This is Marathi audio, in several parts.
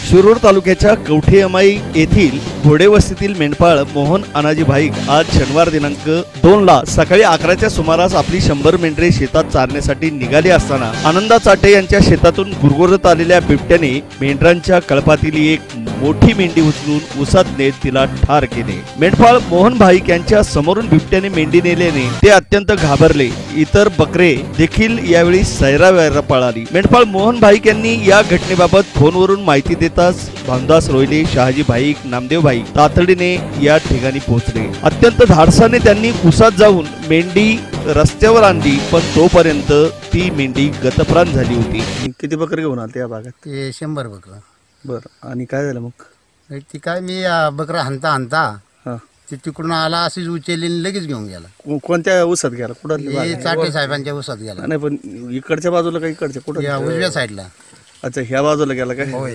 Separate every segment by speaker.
Speaker 1: शिरूर तालुक्याच्या कवठेअमाई येथील घोडेवस्तीतील मेंढपाळ मोहन अनाजी भाईक आज शनिवार दिनांक 2 ला सकाळी 11च्या सुमारास आपली 100 मेंढरे शेतात चारण्यासाठी निघाली असताना आनंदा चाटे यांच्या शेतातून गुरगुरत आलेल्या बिबट्याने मेंढरांच्या कळपातील एक मोठी मेंढी उचलून उसात नेत तिला ठार केले। मेंढपाळ मोहन भाईक यांच्या समोरून बिबट्याने मेंढी नेल्याने ते अत्यंत घाबरले। इतर बकरे देखील यावेळी सैरावैरा पळाली। मेंढपाळ मोहन भाईक यांनी या घटनेबाबत फोनवरून माहिती देताच भामदास रोहिले, शहाजी भाईक, नामदेव भाईक तातडीने या ठिकाणी पोहोचले। अत्यंत धाडसाने त्यांनी उसात जाऊन मेंढी रस्त्यावर आणली, पण तोपर्यंत ती मेंढी गतप्राण झाली होती। किती बकरे घेऊन आले त्या भागात?
Speaker 2: ते 100 बकरं।
Speaker 1: बरं, आणि काय झालं मग?
Speaker 2: ती काय मी बकरा हाणता ती तिकडून आला, अशीच उचलली लगेच घेऊन गेला।
Speaker 1: कोणत्या उसात गेला? कुठं?
Speaker 2: चाटे साहेबांच्या उसात गेला।
Speaker 1: नाही, पण इकडच्या बाजूला का इकडच्या? कुठं?
Speaker 2: उजव्या साईडला।
Speaker 1: अच्छा, ह्या बाजूला गेला काय?
Speaker 2: होय।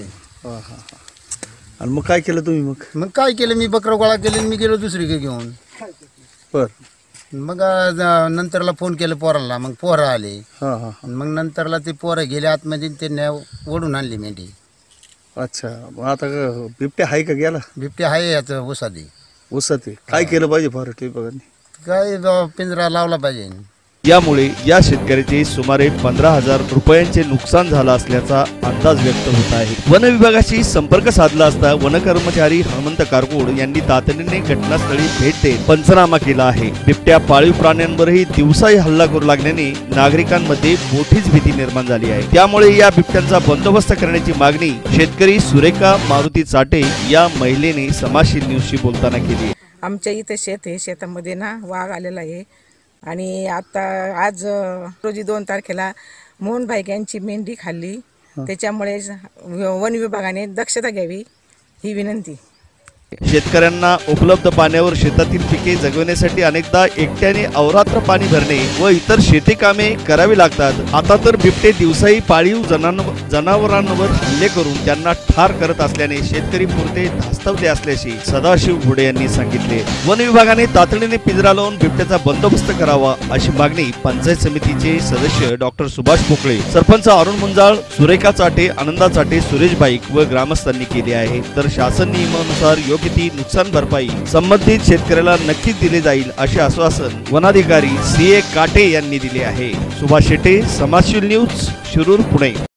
Speaker 1: आणि मग काय केलं तुम्ही? मग
Speaker 2: काय केलं, मी बकरा गोळा केले, मी गेलो दुसरीकडे घेऊन।
Speaker 1: बर,
Speaker 2: मग नंतरला फोन केलं पोराला, मग पोरं आले। मग नंतरला ते पोरं गेले आतमध्ये, त्यांनी ओढून आणली मेंढी।
Speaker 1: अच्छा, मग आता बिबट्या आहे का? गेला
Speaker 2: बिबट्या आहे याचं उसादी।
Speaker 1: उसात काय केलं पाहिजे फॉरेस्ट विभागाने?
Speaker 2: काय पिंजरा लावला पाहिजे।
Speaker 1: यामुळे या शेतकऱ्याचे सुमारे 15,000 रुपयांचे नुकसान झालं असल्याचा अंदाज व्यक्त होत आहे। वन विभागाशी संपर्क साधला असता वन कर्मचारी हनुमंत कारकोड यांनी तातडीने घटनास्थळी भेट देत पंचनामा केला आहे। बिबट्या पाळीव प्राण्यांवरही दिवसाही हल्ला करू लागल्याने नागरिकांमध्ये मोठीच भीती निर्माण झाली आहे। त्यामुळे या बिबट्यांचा बंदोबस्त करण्याची मागणी शेतकरी सुरेखा मारुती चाटे या महिलेने समाजशील न्यूजशी बोलताना केली।
Speaker 3: आमच्या इथे शेत आहे, शेतामध्ये ना वाघ आलेला आहे आणि आता आज रोजी 2 तारखेला मोहन भाईक यांची मेंढी खाल्ली। त्याच्यामुळे वन विभागाने दक्षता घ्यावी ही विनंती।
Speaker 1: शेतकऱ्यांना उपलब्ध पाण्यावर शेतातील पिके जगवण्यासाठी अनेकदा एकट्याने अवरात्र पाणी भरणे व इतर शेती कामे करावी लागतात। आता तर बिबटे दिवसाही पाळीव जनावरांवर हल्ले करून त्यांना ठार करत असल्याने शेतकरी पुरते धास्तवले असल्याचे सदाशिव घोडे यांनी सांगितले। वन विभागाने तातडीने पिंजरा लावून बिबट्याचा बंदोबस्त करावा अशी मागणी पंचायत समितीचे सदस्य डॉक्टर सुभाष पोकळे, सरपंच अरुण मुंजाळ, सुरेखा चाटे, आनंदा चाटे, सुरेश भाईक व ग्रामस्थांनी केली आहे। तर शासन नियमानुसार योग्य ती नुकसान भरपाई संबंधित शेतकऱ्याला नक्कीच दिले जाईल असे आश्वासन वनाधिकारी CA काटे यांनी दिले आहे। सुभाष शेटे, समाजशील न्यूज, शिरूर, पुणे।